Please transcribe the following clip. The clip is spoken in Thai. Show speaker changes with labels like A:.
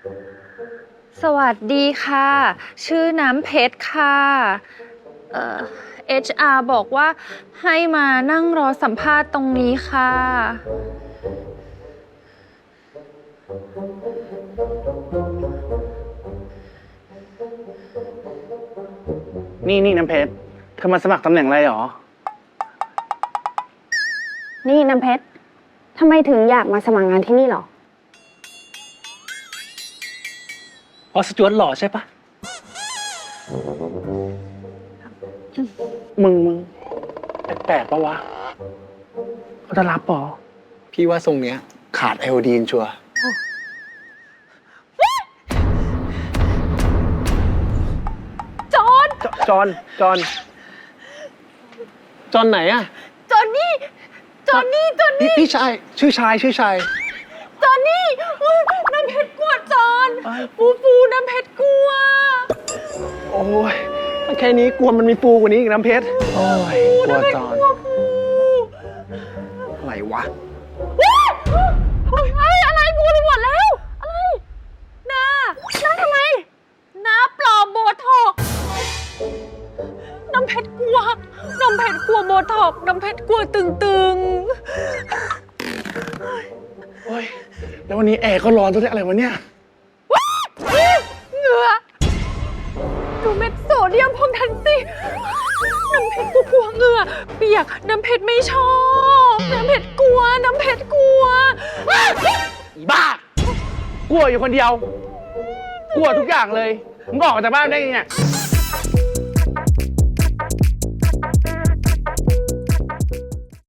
A: สวัสดีค่ะ ชื่อน้ำเพชรค่ะHR บอกว่าให้มานั่งรอสัมภาษณ์ตรงนี้ค่ะ
B: นี่น้ำเพชรเธอมาสมัครตำแหน่งอะไรหรอ
C: นี่น้ำเพชร ทำไมถึงอยากมาสมัครงานที่นี่หรอ
B: เพราะสจวตหล่อใช่ปะมึงแปลกๆปะวะเขาจะรับปอ
D: พี่ว่าทรงเนี้ยขาดไอโอดีนชัวร์
A: จอน
B: จอนไหนอะ
A: จอนนี่
D: พี่ชาย ชื่อชาย
A: จอนนี่อุ๊ยน้ำเพชรกลัวจอนฟูน้ำเพชรกลัว
B: โอ้ยแค่นี้กลัวมันมีปูกว่านี้อีกน้ำเพชร โอ้ยกลัวจอน
D: อะไรวะ
A: อะไรพูดไปหมดแล้ว อะไรนาทำไมนาปลอมโบท็อกซ์น้ำเพชรกลัวโบท็อกซ์น้ำเพชรกลัวตึง
B: โอ้ยแล้ววันนี้แอร์ก็ร้อนตัวนี้อะไรวะเนี่ย
A: เหงื่อดูเม็ดโซเดียมพวกนั้นสิน้ำเพชรกลัวเหงื่อเปียกน้ำเพชรไม่ชอบน้ำเพชรกลัว
B: อีบ้า กลัวอยู่คนเดียว กลัวทุกอย่างเลย มึงออกจากบ้านได้ไงเนี่ย